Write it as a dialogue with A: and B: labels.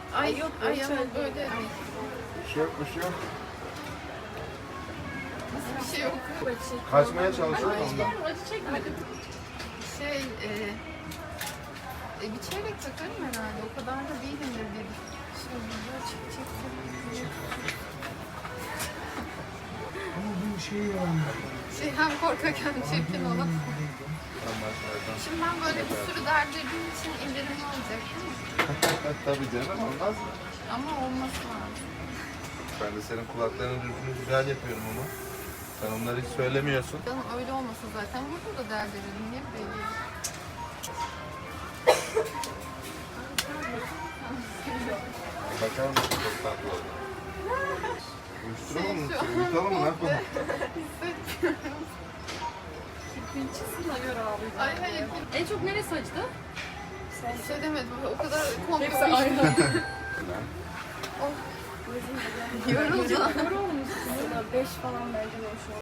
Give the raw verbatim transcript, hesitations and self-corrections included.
A: Ay yok, ay ama böyle
B: Bir şey yok, bir şey yok.
A: bir şey yok.
B: Kaçmaya çalışıyor ondan.
A: Acı çekmedim. Şey, e, e, bir çeyrek takarım herhalde. O kadar da değilimdir dedim. Şöyle böyle çek çek çek.
C: Ama bu şey yani.
A: Şey hem korkak hem çirkin olan.
B: Anlaşmadan.
A: Şimdi ben böyle bir sürü derdirdiğim için indirimli olacak değil mi?
B: Tabii canım, olmaz mı?
A: Ama olması lazım.
B: Ben de senin kulaklarının düzgünü güzel yapıyorum ama. Sen onları hiç söylemiyorsun.
A: Canım öyle olmasın zaten. Burada da derdirdim. Niye böyle?
B: Bakar mısın, çok tatlı oldu. Uyuşturalım mı?
A: Şey, şu an
B: Uyutalım mı? Ne yapalım?
A: Hissetmiyorum.
D: Pinçesine göre ağlayacağım.
A: Ay hayır.
D: En çok neresi acıdı?
A: Bir şey demedim. O kadar komik
D: Hepsi
A: bir
D: aynı.
A: Yoruldum.
D: Yorulmuşsun. beş falan bence boş